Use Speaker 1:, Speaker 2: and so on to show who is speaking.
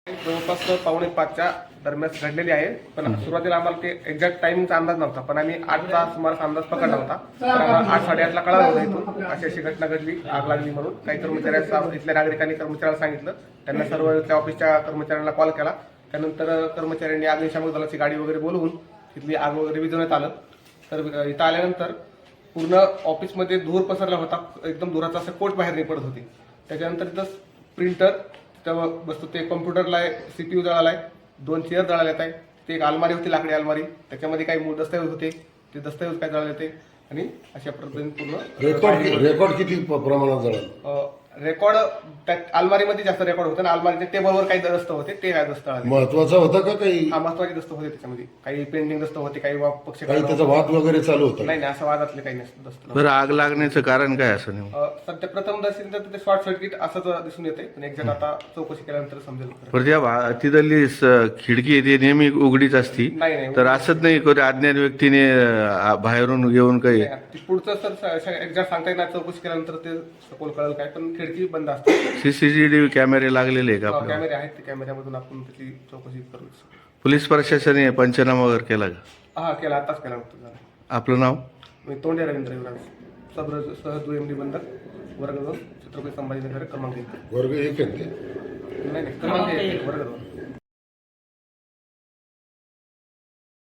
Speaker 1: जवळपास 4:45च्या दरम्यान घडलेली आहे. पण सुरुवातीला आम्हाला ते एक्झॅक्ट टाइमिंगचा अंदाज नव्हता, पण आम्ही 8चा सुमारास अंदाज पकडला होता. तर आम्हाला 8-8:30ला कळालं होतं इथून अशी अशी घटना घडली, आग लागली म्हणून. काही कर्मचाऱ्यांचा इथल्या नागरिकांनी कर्मचाऱ्याला सांगितलं. त्यांना सर्व त्या ऑफिसच्या कर्मचाऱ्यांना कॉल केला. त्यानंतर कर्मचाऱ्यांनी अग्निशामक दलाची गाडी वगैरे बोलवून तिथली आग वगैरे विझवण्यात आलं. तर इथं आल्यानंतर पूर्ण ऑफिसमध्ये धूर पसरला होता. एकदम धुराचा असं कोट बाहेर निघत होती. त्याच्यानंतर तिथं प्रिंटर तिथं वस्तू ते कॉम्प्युटरला आहे, CPU जळाला आहे, 2 चेअर जळाल्यात आहे. ते एक अलमारी होती, लाकडी अलमारी, त्याच्यामध्ये काही मूळ दस्तऐवज होते, ते दस्तऐवज काय जळाले होते. आणि अशा पद्धतीने पूर्ण
Speaker 2: रेकॉर्ड किती प्रमाणात जळालं?
Speaker 1: रेकॉर्ड त्या अलमारीमध्ये जास्त रेकॉर्ड होतं आणि अलमारीच्या टेबलवर काही दस्त होते, ते काय दस्त आले.
Speaker 2: महत्वाचं होतं का काही?
Speaker 1: हा, महत्वाचे दस्त होते त्याच्यामध्ये. काही पेंडिंग दस्त होते, काही पक्ष
Speaker 2: काही त्याचा वाद वगैरे चालू होता?
Speaker 1: नाही, असं वादातले काही नसतं दस्त.
Speaker 3: बरं, आग लागण्याचं कारण काय असं नाही?
Speaker 1: सध्या प्रथम दर्शनी तर ते शॉर्ट सर्किट असंच दिसून येते, पण एक्झॅक्ट आता चौकशी केल्यानंतर समजेल.
Speaker 3: बरं, त्या तिथली खिडकी आहे ती नेहमी उघडीच असती,
Speaker 1: नाही.
Speaker 3: तर असंच नाही कधी अज्ञात व्यक्तीने बाहेरून येऊन काही?
Speaker 1: पुढचं सर एक्झॅक्ट सांगता येणार, चौकशी केल्यानंतर ते सखोल कळेल काय, पण खिडकी बंद असते.
Speaker 3: CCTV कॅमेरे लागलेले आहे का आपल्याला?
Speaker 1: कॅमेरे आहेत, ते कॅमेऱ्यामधून आपण त्याची चौकशी करू.
Speaker 3: पोलीस प्रशासनाने पंचनामा वगैरे केला का?
Speaker 1: हा, केला, आताच केला होता.
Speaker 3: आपलं नाव?
Speaker 1: मी तोंडे रवींद्र युवराज, सह MD बंधक, वर्ग 2, छत्रपती संभाजीनगर, क्रमांक 1.
Speaker 2: वर्ग 1 आहे ते?
Speaker 1: नाही, क्रमांक 1, वर्ग 2.